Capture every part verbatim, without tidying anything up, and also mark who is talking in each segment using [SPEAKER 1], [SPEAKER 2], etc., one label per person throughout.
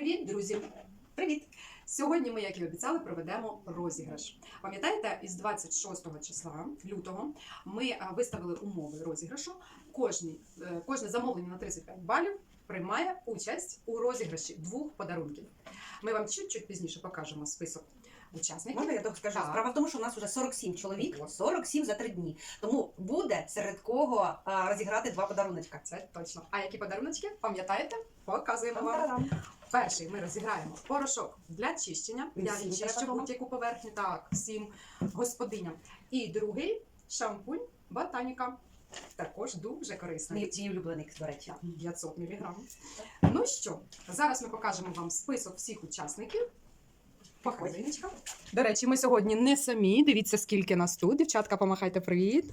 [SPEAKER 1] Привіт, друзі!
[SPEAKER 2] Привіт!
[SPEAKER 1] Сьогодні ми, як і обіцяли, проведемо розіграш. Пам'ятаєте, із двадцять шостого числа лютого ми виставили умови розіграшу. Кожні, кожне замовлення на тридцять п'ять балів приймає участь у розіграші двох подарунків. Ми вам чуть-чуть пізніше покажемо список учасників.
[SPEAKER 2] Можна я так скажу?
[SPEAKER 1] Так.
[SPEAKER 2] Справа в тому, що у нас вже сорок сім чоловік, сорок сім за три дні. Тому буде серед кого а, розіграти два подаруночка.
[SPEAKER 1] Це точно. А які подаруночки, пам'ятаєте? Показуємо вам.
[SPEAKER 2] Там-тарам.
[SPEAKER 1] Перший ми розіграємо порошок для чищення. Я
[SPEAKER 2] Всім
[SPEAKER 1] чищу
[SPEAKER 2] треба
[SPEAKER 1] будь-яку поверхню, так, всім господиням. І другий шампунь Ботаніка. Також дуже корисний.
[SPEAKER 2] Мій, мій улюблений, до речі.
[SPEAKER 1] п'ятсот міліграм. Ну що, зараз ми покажемо вам список всіх учасників. Показуєчка. До речі, ми сьогодні не самі. Дивіться, скільки нас тут. Дівчатка, помахайте привіт.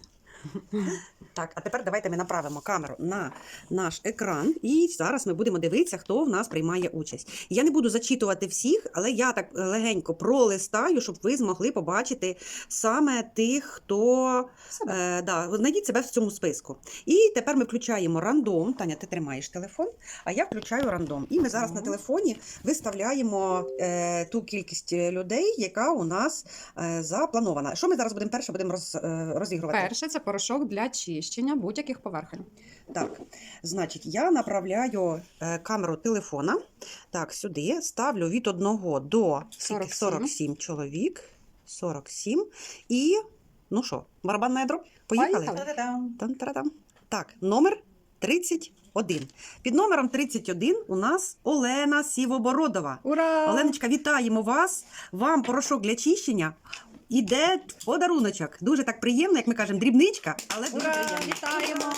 [SPEAKER 2] Так, а тепер давайте ми направимо камеру на наш екран, і зараз ми будемо дивитися, хто в нас приймає участь. Я не буду зачитувати всіх, але я так легенько пролистаю, щоб ви змогли побачити саме тих, хто е, да, знайдіть себе в цьому списку. І тепер ми включаємо рандом. Таня, ти тримаєш телефон, а я включаю рандом. І ми зараз на телефоні виставляємо е, ту кількість людей, яка у нас е, запланована. Що ми зараз будемо перше будемо роз, е, розігрувати?
[SPEAKER 1] Перше, це порошок для чищення будь-яких поверхень.
[SPEAKER 2] Так, значить, я направляю е, камеру телефона, так, сюди, ставлю від одного до
[SPEAKER 1] сорок сім.
[SPEAKER 2] сорок сім чоловік, сорок сім, і, ну що, барабан на ядро? Поїхали?
[SPEAKER 1] Поїхали.
[SPEAKER 2] Тан-тарадам. Так, номер тридцять один. Під номером тридцять один у нас Олена Сівобородова.
[SPEAKER 1] Ура!
[SPEAKER 2] Оленочка, вітаємо вас, вам порошок для чищення. Іде подаруночок. Дуже так приємно, як ми кажемо, дрібничка, але дуже
[SPEAKER 1] Ура!
[SPEAKER 2] приємно.
[SPEAKER 1] Вітаємо!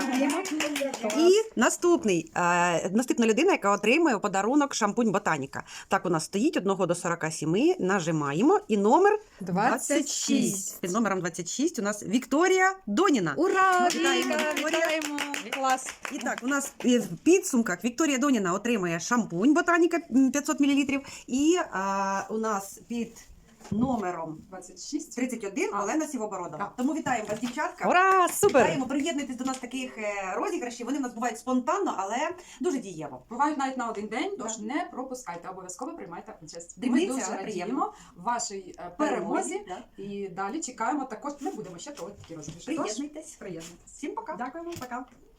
[SPEAKER 2] Дякуємо. І наступний, е, наступна людина, яка отримує у подарунок шампунь Ботаніка. Так, у нас стоїть одного до сорока семи, нажимаємо, і номер
[SPEAKER 1] двадцять шість.
[SPEAKER 2] Під номером двадцять шість у нас Вікторія Доніна.
[SPEAKER 1] Ура!
[SPEAKER 2] Вітаємо,
[SPEAKER 1] Віка,
[SPEAKER 2] Вікторія.
[SPEAKER 1] вітаємо! Клас!
[SPEAKER 2] І так, у нас в підсумках Вікторія Доніна отримує шампунь Ботаніка п'ятсот мілілітрів, і а, у нас під номером
[SPEAKER 1] двадцять шість.
[SPEAKER 2] тридцять один
[SPEAKER 1] А.
[SPEAKER 2] Олена Сівобородова.
[SPEAKER 1] Так.
[SPEAKER 2] Тому вітаємо вас, дівчатка.
[SPEAKER 1] Ура! Супер!
[SPEAKER 2] Вітаємо, приєднуйтесь до нас таких е, розіграшів. Вони в нас бувають спонтанно, але дуже дієво.
[SPEAKER 1] Бувають навіть на один день, тож
[SPEAKER 2] Так.
[SPEAKER 1] не пропускайте, обов'язково приймайте участь.
[SPEAKER 2] Дрібниця,
[SPEAKER 1] Ми дуже
[SPEAKER 2] але
[SPEAKER 1] радіємо
[SPEAKER 2] приємно.
[SPEAKER 1] вашій е, перемозі
[SPEAKER 2] Да.
[SPEAKER 1] і далі чекаємо також. Ми будемо ще проводити такі розіграші. Тож
[SPEAKER 2] Приєднуйтесь.
[SPEAKER 1] приєднуйтесь.
[SPEAKER 2] Всім пока.
[SPEAKER 1] Дякуємо, пока.